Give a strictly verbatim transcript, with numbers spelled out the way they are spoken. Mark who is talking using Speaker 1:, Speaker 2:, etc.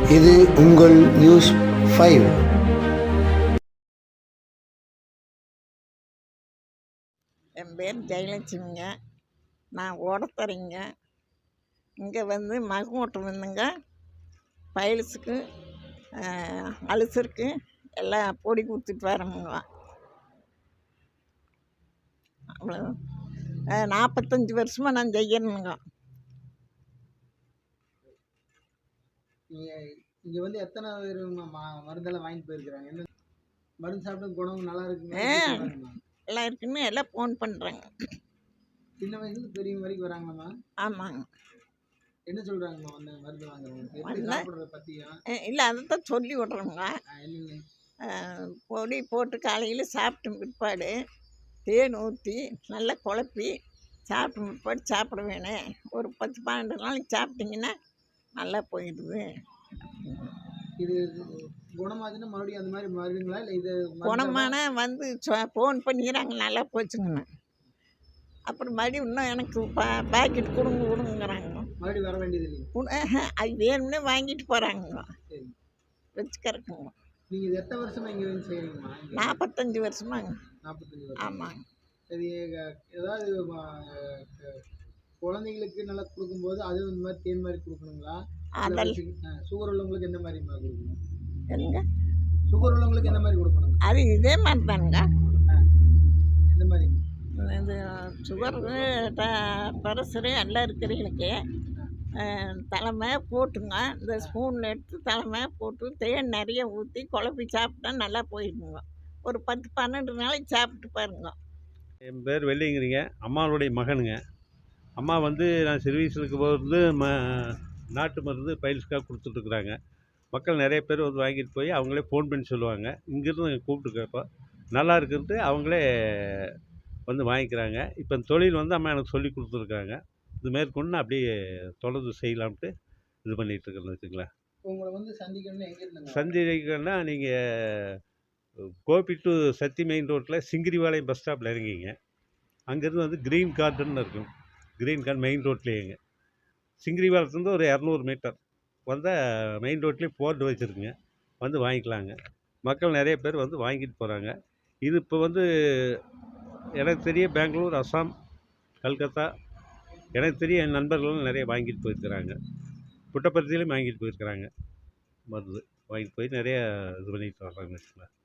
Speaker 1: இது உங்கள் news five.
Speaker 2: என் பேர் ஜெயலட்சுமிங்க. நான் ஓடத்தரைங்க. இங்கே வந்து மகமூட்டம் வந்துங்க பைல்ஸுக்கு அல்சருக்கு எல்லாம் பொடி கொடுத்துட்டு வரமுங்க. அவ்வளோ நாற்பத்தஞ்சு வருஷமாக நான் செய்யணுங்க.
Speaker 3: நீங்கள் இங்கே வந்து எத்தனை பேர் மருந்தெல்லாம் வாங்கிட்டு போயிருக்கிறாங்க? என்ன மருந்து சாப்பிட்டு குணம் நல்லா இருக்குங்க
Speaker 2: எல்லாம் இருக்குன்னு எல்லாம் ஃபோன் பண்ணுறாங்க.
Speaker 3: சின்ன வயசுல பெரியவங்க வரைக்கும் வராங்களாம்மா?
Speaker 2: ஆமாங்க.
Speaker 3: என்ன சொல்கிறாங்கம்மா வந்து மருந்து வாங்குறவங்க சாப்பிட்றத பற்றியும்?
Speaker 2: இல்லை அதை தான் சொல்லி விட்றோங்க. பொடி போட்டு காலையில் சாப்பிட்டு பிற்பாடு தேன் ஊற்றி நல்லா குழப்பி சாப்பிட்டு பிற்பாடு சாப்பிட வேணும். ஒரு பத்து பன்னெண்டு நாளைக்கு சாப்பிட்டிங்கன்னா நல்லா போயிடுது.
Speaker 3: இது குணமாச்சுன்னா மறுபடியும் அந்த மாதிரி மருந்துங்களா இல்லை இது
Speaker 2: குணமான வந்து ஃபோன் பண்ணிக்கிறாங்க நல்லா போச்சுங்கண்ணா. அப்புறம் மறுபடியும் இன்னும் எனக்கு பா பேக்கெட் கொடுங்க கொடுங்கிறாங்க.
Speaker 3: மறுபடியும் வர வேண்டியது இல்லைங்க.
Speaker 2: அது வேணும்னே வாங்கிட்டு போகிறாங்க வச்சுக்கிறக்குங்க.
Speaker 3: நீங்கள் இது எத்தனை வருஷமாக இங்கே வந்து செய்கிறீங்கம்மா?
Speaker 2: நாற்பத்தஞ்சு வருஷமாங்க.
Speaker 3: நாற்பத்தஞ்சு வருஷம்.
Speaker 2: ஆமாங்க.
Speaker 3: சரி, ஏதாவது குழந்தைங்களுக்கு நல்லா கொடுக்கும்போது அது இந்த மாதிரி தேன் மாதிரி கொடுக்கணுங்களா? சுகர் உள்ளவங்களுக்கு எந்த மாதிரி கொடுக்கணும்?
Speaker 2: என்னங்க
Speaker 3: சுகர் உள்ளவங்களுக்கு எந்த மாதிரி கொடுக்கணும்?
Speaker 2: அது இதே மாதிரி தானுங்க.
Speaker 3: எந்த மாதிரி?
Speaker 2: இது சுகரு ப்ரெஷரு எல்லாம் இருக்கிறவங்களுக்கு தலைமை போட்டுங்க. இந்த ஸ்பூனில் எடுத்து தலைமை போட்டு தேன் நிறைய ஊற்றி குழப்பி சாப்பிட்டா நல்லா போயிடுங்க. ஒரு பத்து பன்னெண்டு நாளைக்கு சாப்பிட்டு பாருங்க.
Speaker 4: என் பேர் வெள்ளிங்கிறீங்க. அம்மாவுடைய மகனுங்க. அம்மா வந்து நான் சர்வீஸுக்கு போகிறது ம நாட்டு மருந்து பைல்ஸ்க்காக கொடுத்துட்ருக்குறாங்க. மக்கள் நிறைய பேர் வந்து வாங்கிட்டு போய் அவங்களே ஃபோன் பண்ணி சொல்லுவாங்க. இங்கேருந்து நாங்கள் கூப்பிட்டு கேட்போம். நல்லா இருக்கிறது அவங்களே வந்து வாங்கிக்கிறாங்க. இப்போ இந்த தொழில் வந்து அம்மா எனக்கு சொல்லி கொடுத்துருக்காங்க. இது மேற்கொண்டு நான் அப்படியே தொடர்ந்து செய்யலாம்ட்டு இது பண்ணிகிட்ருக்கேன்னு வச்சுங்களேன்.
Speaker 3: உங்களை வந்து சந்திக்கணும்னு எங்கே இருந்தாங்க?
Speaker 4: சந்திக்கணும்னா நீங்கள் கோபி டு சத்தி மெயின் ரோட்டில் சிங்கிரிவாளையம் பஸ் ஸ்டாப்பில் இறங்கிங்க. அங்கேருந்து வந்து க்ரீன் கார்டன் இருக்கும். க்ரீன் கார்டன் மெயின் ரோட்லேயேங்க. சிங்கிரிவாலத்துலேருந்து ஒரு இரநூறு மீட்டர் வந்தால் மெயின் ரோட்லேயே போர்டு வச்சுருக்குங்க. வந்து வாங்கிக்கலாங்க. மக்கள் நிறைய பேர் வந்து வாங்கிட்டு போகிறாங்க. இது இப்போ வந்து எனக்கு தெரிய பெங்களூர், அஸ்ஸாம், கல்கத்தா எனக்கு தெரிய என் நண்பர்களும் நிறைய வாங்கிட்டு போயிருக்கிறாங்க. புட்டபர்த்தியிலையும் வாங்கிட்டு போயிருக்கிறாங்க. மருந்து வாங்கிட்டு போய் நிறைய இது பண்ணிட்டு வர்றாங்க.